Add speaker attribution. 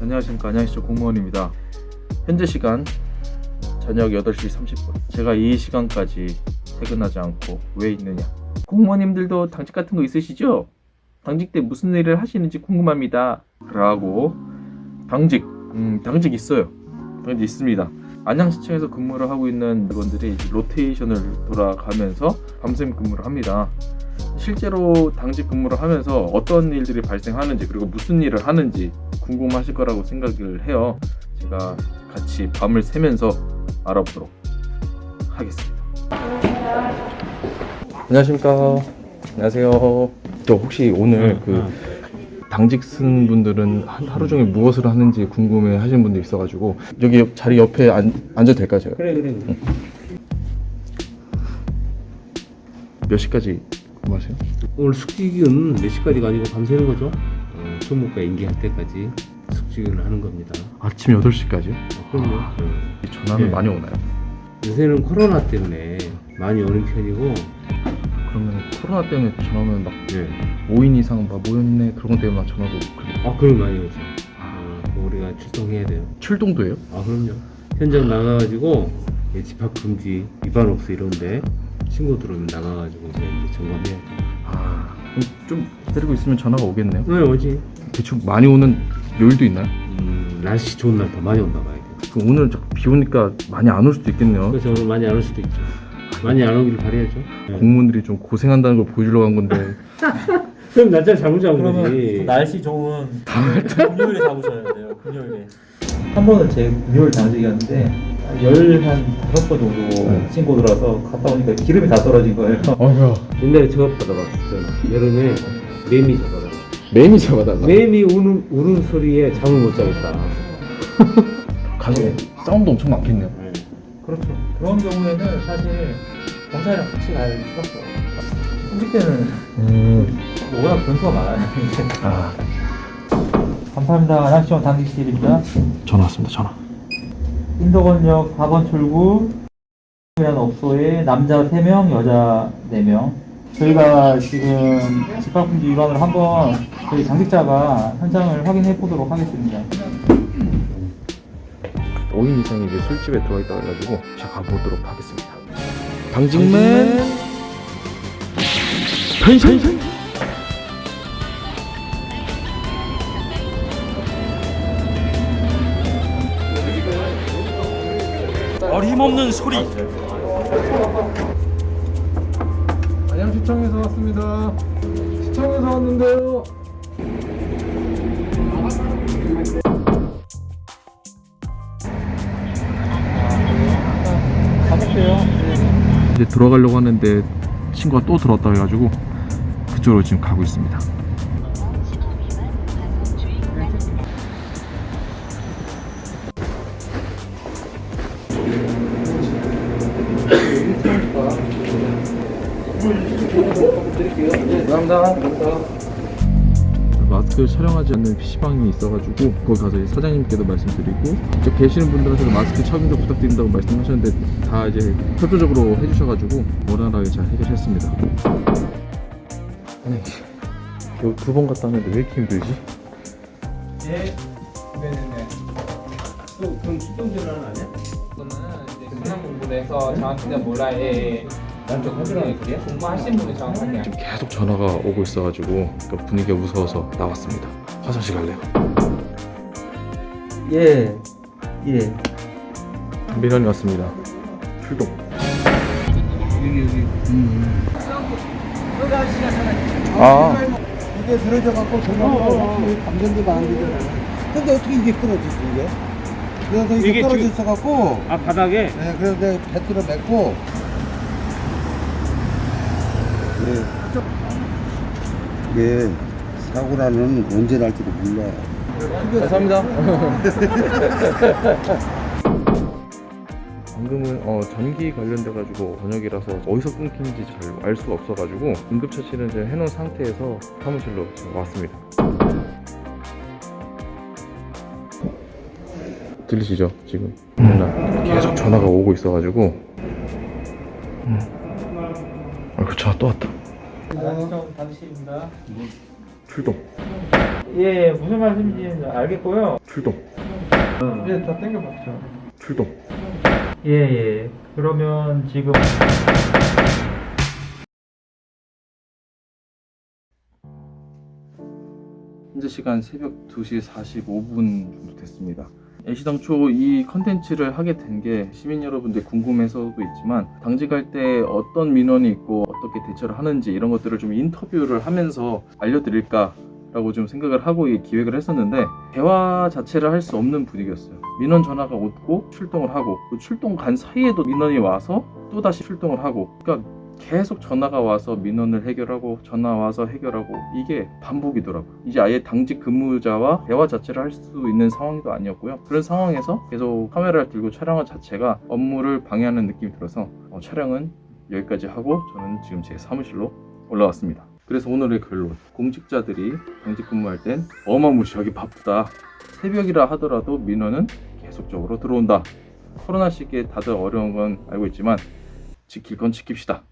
Speaker 1: 안녕하십니까. 안양시청 공무원입니다. 현재 시간 저녁 8시 30분. 제가 이 시간까지 퇴근하지 않고 왜 있느냐. 공무원님들도 당직 같은 거 있으시죠? 당직 때 무슨 일을 하시는지 궁금합니다 라고. 당직 있어요. 당직 있습니다. 안양시청에서 근무를 하고 있는 직원들이 로테이션을 돌아가면서 밤샘 근무를 합니다. 실제로 당직 근무를 하면서 어떤 일들이 발생하는지, 그리고 무슨 일을 하는지 궁금하실 거라고 생각을 해요. 제가 같이 밤을 새면서 알아보도록 하겠습니다. 안녕하십니까. 안녕하세요. 저 혹시 오늘 당직 쓴 분들은 하루 종일 무엇을 하는지 궁금해 하시는 분들이 있어가지고 여기 자리 옆에 앉아도 될까요, 제가?
Speaker 2: 그래.
Speaker 1: 몇 시까지 근무하세요?
Speaker 2: 오늘 숙직은 몇 시까지가 아니고 밤새는 거죠. 총무과 인계할 때까지 숙직을 하는 겁니다.
Speaker 1: 아침 8시까지요?
Speaker 2: 그럼요.
Speaker 1: 전화는
Speaker 2: 네.
Speaker 1: 많이 오나요?
Speaker 2: 요새는 코로나 때문에 많이 오는 편이고.
Speaker 1: 그러면 코로나 때문에 전화 오면 막
Speaker 2: 네.
Speaker 1: 5인 이상 막 모였네 그런 것 때문에 막 전화가 오고 그래요?
Speaker 2: 그럼 많이 오죠. 우리가 출동해야 돼요.
Speaker 1: 출동도 해요?
Speaker 2: 그럼요. 현장 나가가지고 집합 금지, 위반 없어 이런데 신고 들어오면 나가가지고 이제 점검해야 돼요.
Speaker 1: 그럼 좀 기다리고 있으면 전화가 오겠네요?
Speaker 2: 네, 오지.
Speaker 1: 대충 많이 오는 요일도 있나요?
Speaker 2: 날씨 좋은 날 더 많이 온다 봐야 돼요.
Speaker 1: 그럼 오늘 비 오니까 많이 안 올 수도 있겠네요.
Speaker 2: 그래서 오늘 많이 안 올 수도 있죠. 많이 안 오길 바라야죠. 네.
Speaker 1: 공무원들이 좀 고생한다는 걸 보여주려고 한 건데
Speaker 2: 그럼 날짜 잘못 잡은
Speaker 3: 그러면
Speaker 2: 거지.
Speaker 3: 날씨 좋은 금요일에 잡으셔야 돼요. 금요일에. 한 번은 제 금요일 당직이었는데 15번 정도 신고 들어와서 갔다 오니까 기름이 다 떨어진 거예요.
Speaker 1: 어휴.
Speaker 2: 옛날에 저거 받아봤었잖아. 여름에 매미 잡아다.
Speaker 1: 매미 잡아달라.
Speaker 2: 매미 우는 소리에 잠을 못 자겠다.
Speaker 1: 가서 사운드 엄청 많겠네요.
Speaker 3: 그렇죠. 그런 경우에는 사실 경찰이랑 같이 갈 수밖에 없어요. 승직 때는 워낙 변수가 많아요. 감사합니다. 안양시청 당직실입니다.
Speaker 1: 전화 왔습니다. 전화.
Speaker 3: 인덕원역 4번 출구 이라는 업소에 남자 3명, 여자 4명. 저희가 지금 집합금지 위반을 한번 저희 당직자가 현장을 확인해 보도록 하겠습니다.
Speaker 1: 5인 이상이 이제 술집에 들어와 있다고 해가지고 제가 가보도록 하겠습니다. 당직맨 변신!
Speaker 4: 어림없는 소리.
Speaker 1: 안양시청에서 왔습니다. 시청에서 왔는데요.
Speaker 3: 가볼게요.
Speaker 1: 이제 들어가려고 하는데 친구가 또 들어왔다 해가지고 그쪽으로 지금 가고 있습니다.
Speaker 3: 감사합니다.
Speaker 1: 마스크를 촬영하지 않는 PC방이 있어가지고 거기 가서 이제 사장님께도 말씀드리고 저 계시는 분들한테도 마스크 착용 부탁드린다고 말씀하셨는데 다 이제 협조적으로 해주셔가지고 원활하게 잘 해결했습니다. 아니 겨우 2번 갔다 왔는데 왜 이렇게 힘들지?
Speaker 2: 네네네. 또 그럼 출동 전화는 안 해?
Speaker 5: 그거는 이제 수능 공부를 해서 정확히는 몰라요. 예.
Speaker 2: 난좀 하더라는 소리야?
Speaker 5: 공부하신 분이 정확하게 알죠.
Speaker 1: 지금 계속 전화가 오고 있어가지고 그러니까 분위기가 무서워서 나왔습니다. 화장실 갈래요?
Speaker 3: 예.
Speaker 1: 민원이 왔습니다. 출동.
Speaker 2: 여기.
Speaker 6: 이게 들어져 갖고 저거 감전도가 안 되잖아. 근데 어떻게 이게 끊어지지 이게? 그래서 이게
Speaker 2: 이게
Speaker 6: 떨어져
Speaker 2: 지금-
Speaker 6: 있어 갖고.
Speaker 2: 바닥에.
Speaker 6: 네, 그래서 내가 배트로 맺고. 이게 사고라는 언제 날지도 몰라.
Speaker 1: 감사합니다. 방금은 전기 관련돼가지고 저녁이라서 어디서 끊긴지 잘 알 수가 없어가지고 응급처치는 이제 해놓은 상태에서 사무실로 지금 왔습니다. 들리시죠? 지금 계속 전화가 오고 있어가지고 아이고 전화 또 왔다.
Speaker 3: 안양시청 당직실입니다.
Speaker 1: 출동.
Speaker 3: 예, 무슨 말씀인지 알겠고요.
Speaker 1: 출동.
Speaker 6: 네, 다 땡겨봤죠.
Speaker 1: 출동.
Speaker 3: 예, 예. 그러면 지금
Speaker 1: 현재 시간 새벽 2시 45분 정도 됐습니다. 애시당초 이 컨텐츠를 하게 된 게 시민 여러분들 궁금해서도 있지만 당직할 때 어떤 민원이 있고 어떻게 대처를 하는지 이런 것들을 좀 인터뷰를 하면서 알려드릴까 라고 좀 생각을 하고 이 기획을 했었는데 대화 자체를 할 수 없는 분위기였어요. 민원 전화가 오고 출동을 하고 그 출동 간 사이에도 민원이 와서 또다시 출동을 하고 그러니까 계속 전화가 와서 민원을 해결하고 전화 와서 해결하고 이게 반복이더라고요. 이제 아예 당직 근무자와 대화 자체를 할 수 있는 상황도 아니었고요. 그런 상황에서 계속 카메라를 들고 촬영한 자체가 업무를 방해하는 느낌이 들어서 촬영은 여기까지 하고 저는 지금 제 사무실로 올라왔습니다. 그래서 오늘의 결론, 공직자들이 당직 근무할 땐 어마무시하게 바쁘다. 새벽이라 하더라도 민원은 계속적으로 들어온다. 코로나 시기에 다들 어려운 건 알고 있지만 지킬 건 지킵시다.